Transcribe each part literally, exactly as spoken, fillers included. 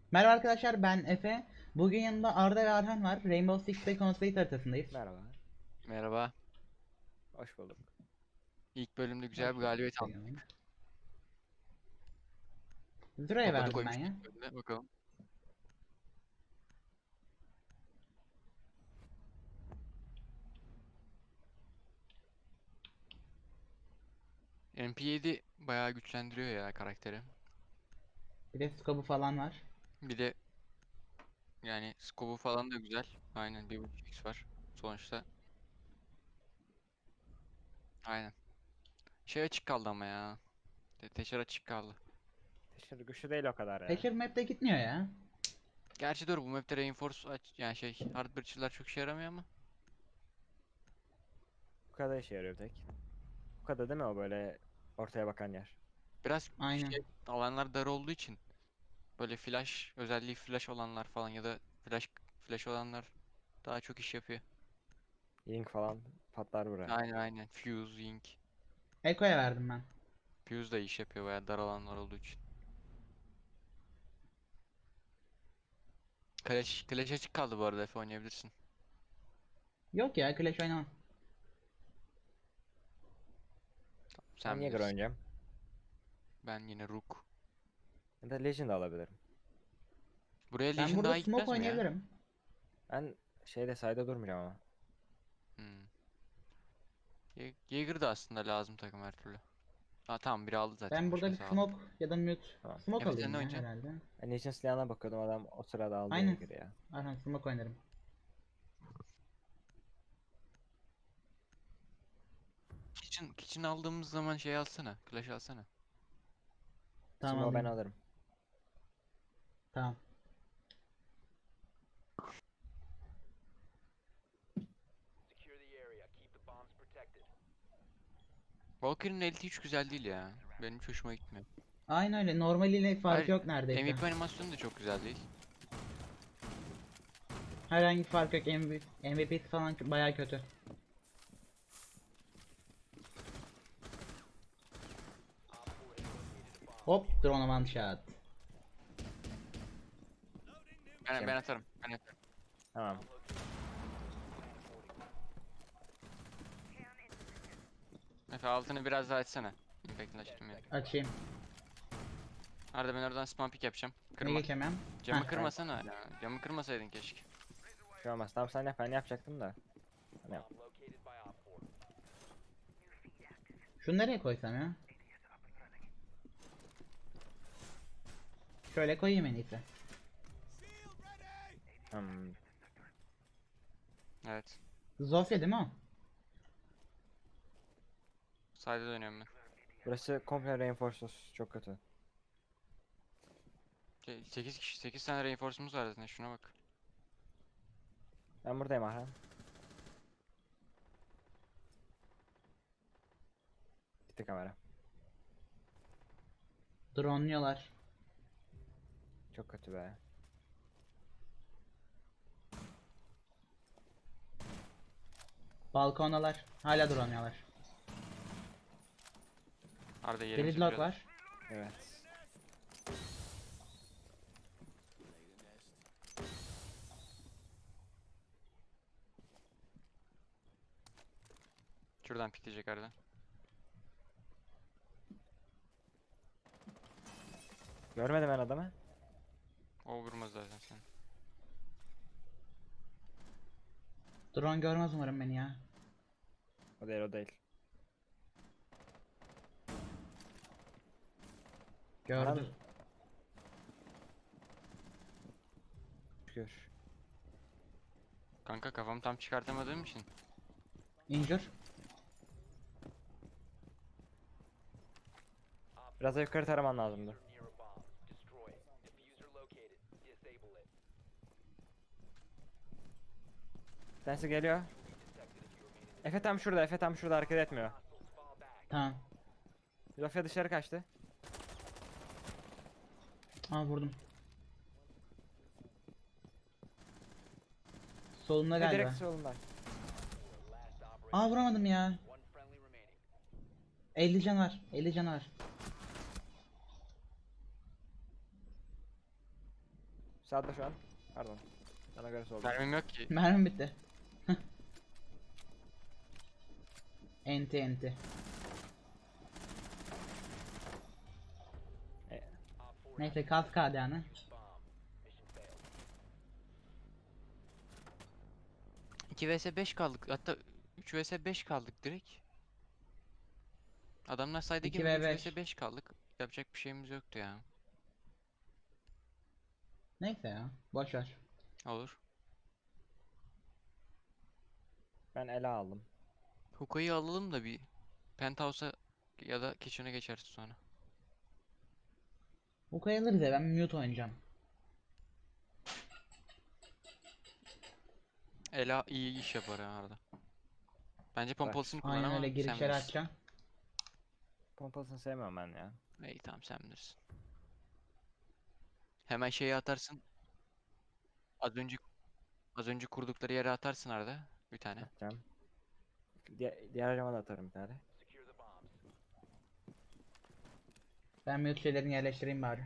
Merhaba arkadaşlar, ben Efe. Bugün yanımda Arda ve Arhan var. Rainbow Six Siege Conflict haritasındayız. Merhaba. Merhaba. Hoş bulduk. İlk bölümde güzel Hoş bir bulduk. galibiyet aldık. Teşekkür Züra'ya Topa da verdim ben koymuştuk ya. ilk bölümde. Bakalım. M P yedi bayağı güçlendiriyor ya karakteri. Bir de scope'u falan var. Bir de yani scope'u falan da güzel. Aynen bir buçuk x var sonuçta. Aynen. Şey açık kaldı ama ya. Te- Teşer açık kaldı. Teşekkür güçlü değil o kadar ya. Thatcher map'te gitmiyor ya. Gerçi doğru bu map'te reinforce aç yani şey hard breacher'lar çok işe yaramıyor ama. Bu kadar işe yarıyor tek. Bu kadar değil mi o böyle ortaya bakan yer? Biraz Aynen. şey alanlar dar olduğu için böyle flash özelliği flash olanlar falan ya da flash flash olanlar daha çok iş yapıyor. Yink falan patlar buraya. Aynen aynen. Fuse, Ink. Echo'ya verdim ben. Fuse da iş yapıyor bayağı dar alanlar olduğu için. Clash, Clash açık kaldı bu arada Efe oynayabilirsin. Yok ya, Clash oynamam. Ben Sen Jäger bilirsin. oynayacağım. Ben yine Rook. Ya da Legend alabilirim. Buraya Ben Legion burada daha smoke gitmez mi ya? oynayabilirim. Ben şeyde sayda durmayacağım ama. Hmm. Ye- Jaeger da aslında lazım takım her türlü. Ha tamam biri aldı zaten Ben burada bir başkası aldı. smoke ya da mute. Tamam. Smoke Efe sen alayım ne ya oynayacaksın? herhalde. Ben Legend silahına bakıyordum, adam o sırada aldı Aynen. Jäger'i ya. Arhan smoke oynarım. Kitchen, Kitchen aldığımız zaman şey alsana. Clash alsana. Tamam Şimdi o ben alayım. alırım. Tamam. Valkyrie'nin ulti hiç güzel değil ya. Benim hiç hoşuma gitmiyor. Aynen öyle. Normaliyle farkı Hayır, yok neredeyse. M V P animasyonu da çok güzel değil. Herhangi bir fark yok. M V P, M V P'si falan bayağı kötü. Hop, drone one shot. Ben, Kim? ben atarım. Ben atarım. Tamam. Efe altını biraz daha açsana. Impact'ını açtım ya. Açayım. Arada ben oradan spam pick yapacağım. Ne Kırma. geçemem? Camı Heh. Ben kırmasana ya. Camı kırmasaydın keşke. bir şey olmaz. Tamam sen yap, ben yapacaktım da. Sen yap. Şunu nereye koysam ya? Şöyle koyayım en iyisi. Hmm. Evet. Zofia değil mi o? Side'e dönüyorum ben. Burası komple reinforced, çok kötü. sekiz kişi sekiz tane reinforce'umuz var zaten şuna bak. Ben buradayım Ahran. Gitti kamera. Dronluyorlar. Çok kötü be. Balkondalar. Hala dronluyorlar. Arada yerimizi Gridlock biliyorlar. var. Evet. Şuradan pikleyecek arada. Görmedim ben adamı. O vurmaz zaten sen. Drone görmez umarım beni ya. O değil, o değil. Gördü. Ahran. Şükür. Kanka kafamı tam çıkartamadığım için. Injure. Biraz da yukarı taraman lazımdı. Bir tanesi geliyor. Efe tam şurada, Efe tam şurada, hareket etmiyor. Tamam. Zofia dışarı kaçtı. Aa vurdum. Solunda Ve galiba. direkt solunda. Aa vuramadım ya. elli can var. elli can var. Sağda şu an. Pardon. Sana göre solda. Mermim yok ki. Mermim bitti. Enti enti. E, Neyse kas kadanı. iki vs beş kaldık. Hatta üç vs beş kaldık direkt. Adamlar sayda iki gibi ve üç vs beş. beş kaldık. Yapacak bir şeyimiz yoktu ya. Neyse ya. Boş ver. Olur. ben ele aldım. Hookah'yı alalım da bir Penthouse'a ya da Kitchen'a geçeriz sonra. Bu kayılırız ya, ben mute oynayacağım. Ela iyi iş yapar ha arada. Bence Bırak. pompalısını kullan Aynen ama öyle, sen girişleri bilirsin. açacağım. Pompasını sevmem ben ya. İyi tamam sen bilirsin. Hemen şeyi atarsın. Az önce az önce kurdukları yere atarsın arada bir tane. Atacağım. Diğer, diğer cama da atarım bir tane. Ben mute şeylerini yerleştireyim bari.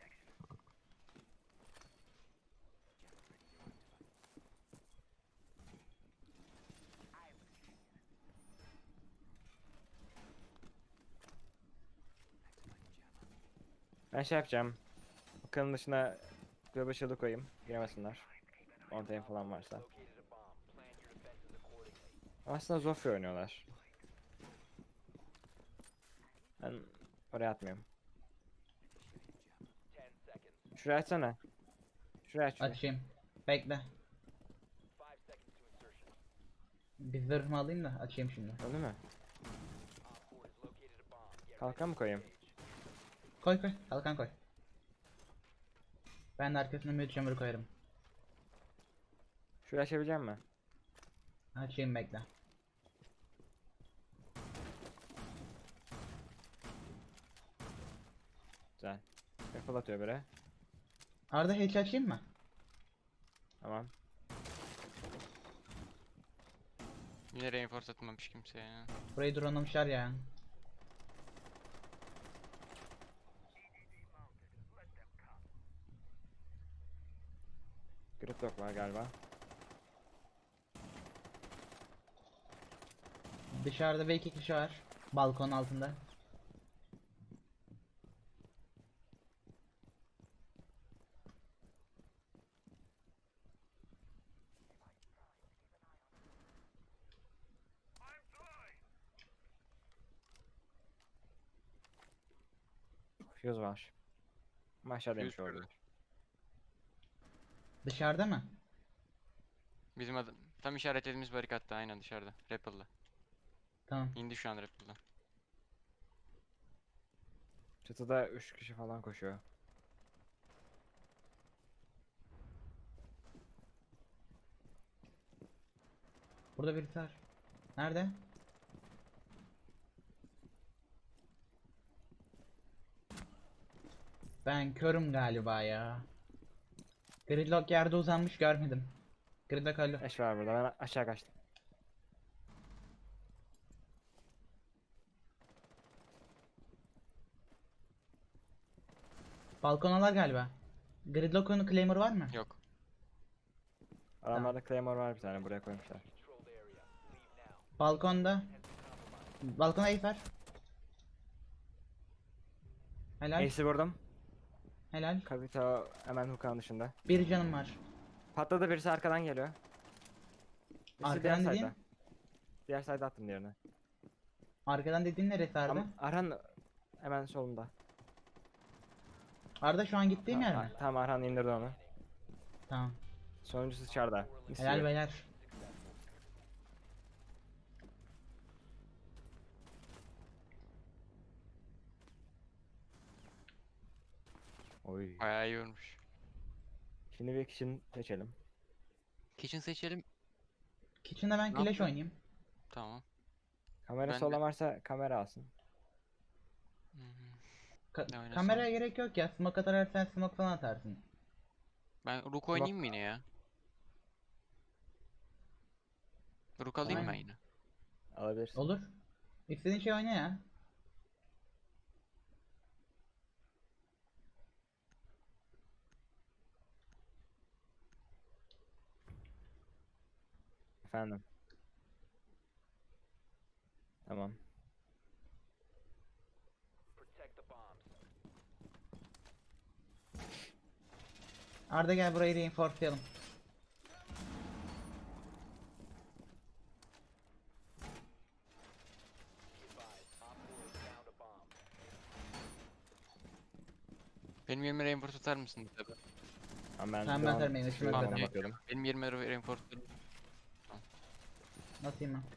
Ben şey yapacağım. Bakanın dışına Global Shield'ı koyayım. Giremesinler. Mountain falan varsa. Aslında Zofia oynuyorlar. Ben oraya atmıyorum. Şuraya açsana. Şuraya aç. şurayı. Açayım. Bekle. Bir zırhımı alayım da açayım şimdi. Öyle mi? Kalkan mı koyayım? Koy koy. Kalkan koy. Ben de arkasına mute chamber koyarım. Şuraya açabilecek misin? Açayım, bekle. Güzel. Rifle atıyor biri. Arda hatch açayım mı? Tamam. Yine reinforce atmamış kimse ya. Burayı dronlamışlar ya. Gridlock var galiba. Dışarıda ve iki kişi var. Balkon altında. Fuse var. Ama aşağıdaymış Fuse orada. var. Dışarıda mı? Bizim adam tam işaretlediğimiz barikatta aynen dışarıda. Rappel'da. Tamam. İndi şu an Rappel'da. Çatıda üç kişi falan koşuyor. Burada birisi var. Nerede? Ben körüm galiba ya. Gridlock yerde uzanmış, görmedim. Gridlock öldü. Eş var burada. Ben aşağı kaçtım. Balkonalar galiba. Gridlock'un Claymore var mı? Yok. Adamlarda Claymore var bir tane buraya koymuşlar. Balkonda. Balkona Ace var. Helal. Ace'i vurdum. Helal. Kavita hemen hookah'ın dışında. Bir canım var. Patladı, birisi arkadan geliyor. Birisi Arkadan diğer dediğin? side'da. Diğer side'a attım diğerini. Arkadan dediğin neresi Arda? Ama Arhan hemen solunda. Arda şu an gittiğim yer mi? Tamam, Arhan indirdi onu. Tamam. Sonuncusu dışarıda. Mis Helal gibi. beyler. Oy. Bayağı iyi olmuş. Şimdi bir kişinin seçelim. Kitchen seçelim. Kitchen'da ben Ne Clash yapıyorsun? oynayayım. Tamam. Kamerası Ben de- olan varsa kamera alsın. Hı hı. Ka- Ne oynasam? kameraya gerek yok ya. Smoke atarsan smoke falan atarsın. Ben Rook oynayayım mı yine ya? Rook alayım mı ben Aynen. yine? Alabilirsin. Olur. İstediğin şey oyna ya. Efendim. Tamam. Arda gel burayı reinforcelayalım. Benim yerime reinforce tutar mısın tabi? Ama ben Tamam, şu ben an sarmayayım, şu üstüme yüzden sarmayayım. bakıyordum. Benim yerime reinforce tutar. Nasıl mı?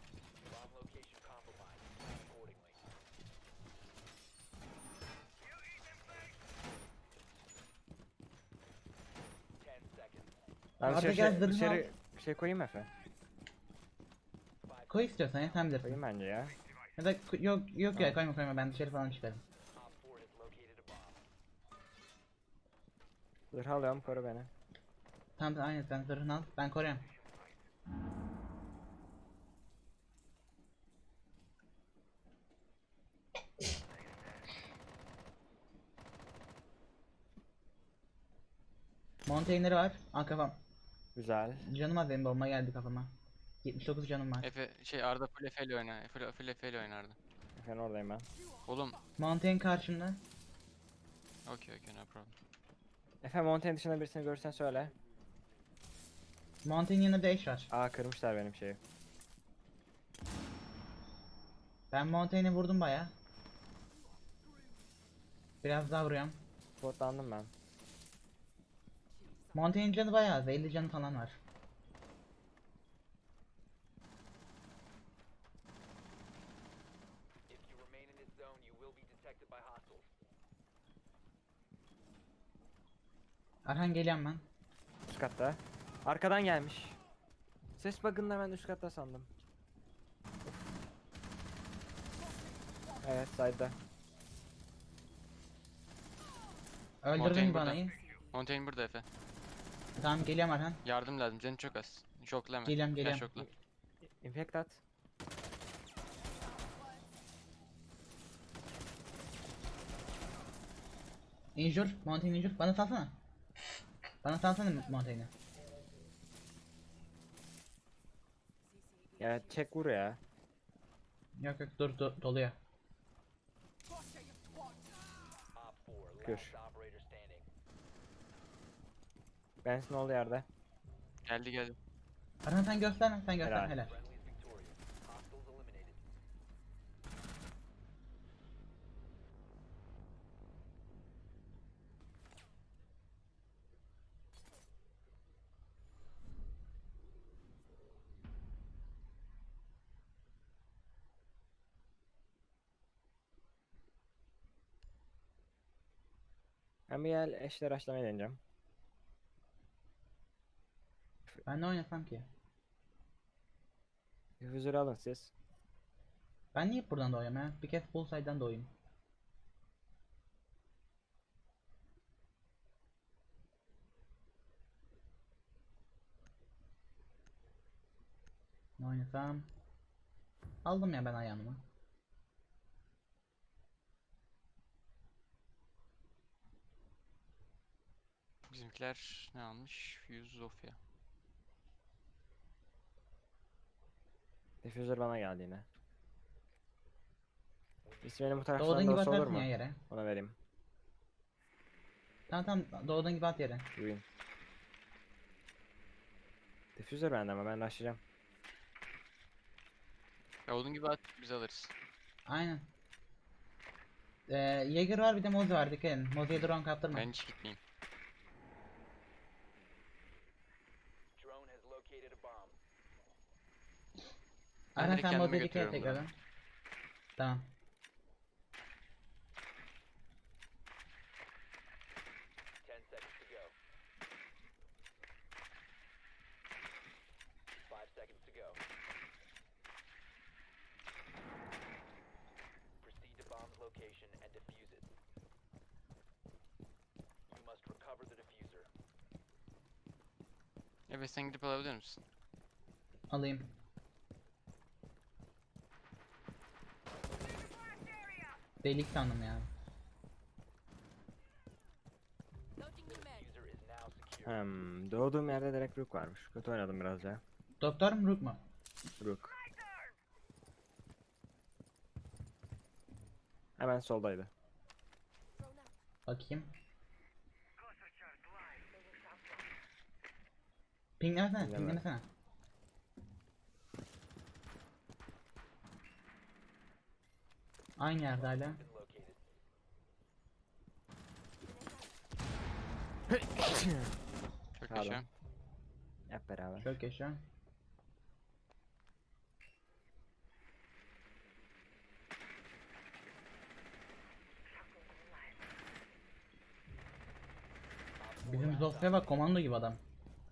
Ben Arda dışarı, gel, şey, zırhını dışarı şey koyayım Efe. Koy istiyorsan ya, sen bilirsin. Koyayım bence ya. Ya da ko- yok yok Tamam. ya, koyma koyma, ben dışarı falan çıkarım. Zırh alıyorum, koru beni. Tamam tamam, aynen, sen zırhını al, ben koruyorum. Montaigner'i var. Aa, kafam. Güzel. Canım az, benim bomba geldi kafama. yetmiş dokuz canım var. Efe şey Arda full Efe ile oyna. Efe full Efe ile oynardı. Efendim oradayım ben. Oğlum Mountain karşımda. okey okey no problem. Efe Mountain dışında birisini görürsen söyle. Mountain yanında Dash var. Aa kırmışlar benim şeyi. Ben Montaigne'i vurdum baya. Biraz daha vuruyorum. Spotlandım ben. Montaigne'in canı bayağı az, elli canı falan var. Arhan geliyorum ben. Üst katta. Arkadan gelmiş. Ses bug'ında ben üst katta sandım. Evet side'da. Öldürdün Montaigne burada. banayı. Montaigne burada Efe. Tamam, geliyorum Arhan. Yardım lazım. Canı çok az. Şoklama. Geliyorum, Gel geliyorum. şokla. Infect at. Injure, Mountain injure. Bana salsana. Bana salsana Montaigne'i. Ya çek vur ya. Yok yok, dur, do doluyor. Kür. Bensin olduğu yerde. Geldi geldi. Arhan sen gösterme, sen göster, Helal. helal. Ben bir gel eşler açlamayı deneyeceğim. Ben ne oynasam ki? Diffuser'ı alın siz. Ben niye hep buradan doğuyorum ya? Bir kez Bullseye'dan doğayım. Ne oynasam? Aldım ya ben ayağımı. Bizimkiler ne almış? Fuse Zofia. Diffuser bana geldi yine. İsmini bu taraftan Doğduğun gibi da olur atarsın mu? ya yere. Ona vereyim. Tamam tamam, doğduğun gibi at yere. Win. Diffuser bende ama ben rushlayacağım. Ya olduğun gibi at biz alırız. Aynen. Ee, Jaeger var, bir de Mozi var, dikkat edin. Mozi'ye drone kaptırma. Ben hiç gitmeyeyim. Ben Aynen, direkt sen kendime Mozi'ye dikkat et götürüyorum tekrardan. Tamam. Evet sen gidip alabilir misin? Alayım. Delik sandım ya. Hmm, doğduğum yerde direkt Rook varmış. Kötü oynadım biraz ya. Doktor mu, Rook mu? Rook. Hemen soldaydı. Bakayım. Pinglemesene, Pingleme. pinglemesene. Aynı yerde hala. Çok Pardon. yaşa. Hep beraber. Çok yaşa. Bizim Zofia bak, komando gibi adam.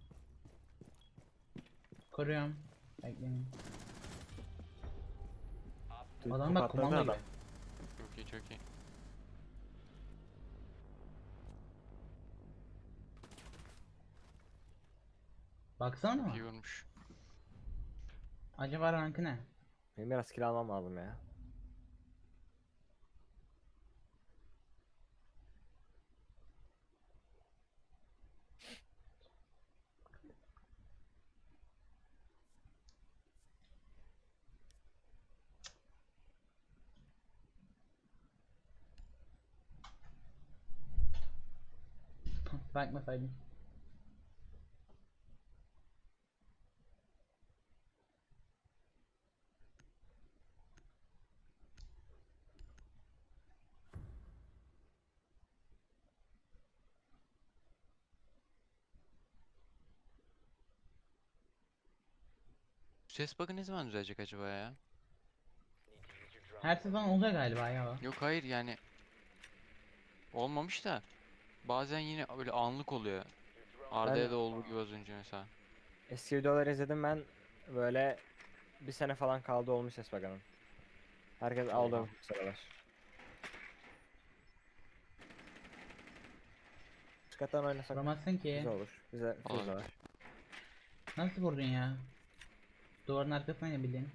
Koruyorum. Bekleyin. Tüy- Adam top bak, atladı komando gibi. adam. Çok iyi çok iyi. Baksana Çok ama. iyi vurmuş. Acaba rankı ne? Benim biraz kill almam lazım ya. Bakmasaydım. Ses bug'ı ne zaman düzelecek acaba ya? Her sezon oluyor galiba ya o. Yok hayır yani olmamış da bazen yine böyle anlık oluyor. Arda'ya da olduğu gibi az önce mesela. Eski videoları izledim ben. Böyle bir sene falan kaldı olmuş ses bakanın. Herkes aldı Oha. bu sıralar. Çıkartan oynasak Vuramazsın ki. güzel olur. Bize Olabilir. fırza var. Nasıl vurdun ya? Duvarın arkasına ne bileyim.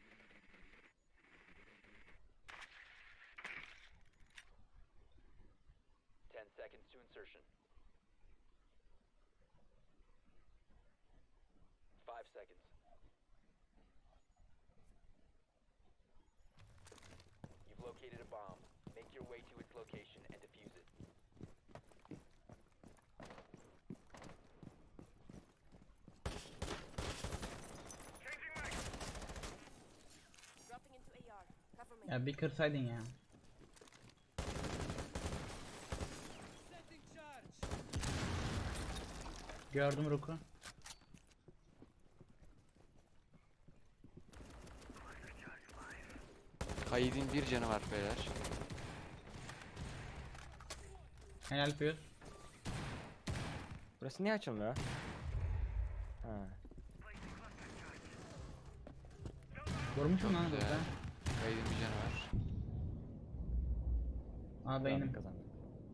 Ten seconds to insertion. Five seconds. You've located a bomb. Make your way to its location and defuse it. Dropping into A R. Cover me. Ya bir kırsaydın ya. Gördüm Rook'u. Kaid'in bir canı var beyler. Helal Fuse. Burası niye açılmıyor? Ha. Vurmuşum Çok lan güzel. burada. Kaid'in bir canı var. Aa beynim. Kazandık.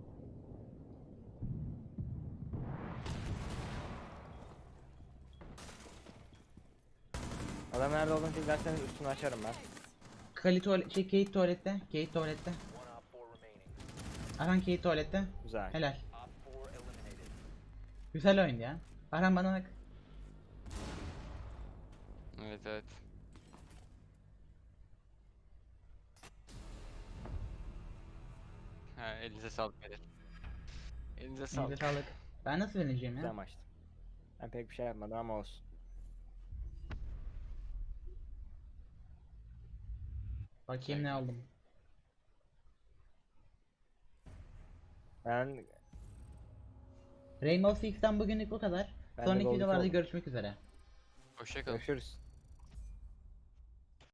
Adam nerede olduğunu izlerseniz üstünü açarım ben. Kali tuvalet, şey Kate tuvalette. Kate tuvalette. One op four remaining. Arhan Kate tuvalette. Güzel. Helal. Op four eliminated. Güzel oyundu ya. Arhan bana bak. Evet evet. Ha, elinize sağlık beyler. Elinize Elinize sağlık. sağlık. Ben nasıl yeneceğim Güzel ya? maçtı. Ben pek bir şey yapmadım ama olsun. Bakayım ne aldım. Ben Rainbow Six'ten bugünlük bu kadar. Ben de Sonraki Gold videolarda oldum. görüşmek üzere. Hoşça kalın. Görüşürüz.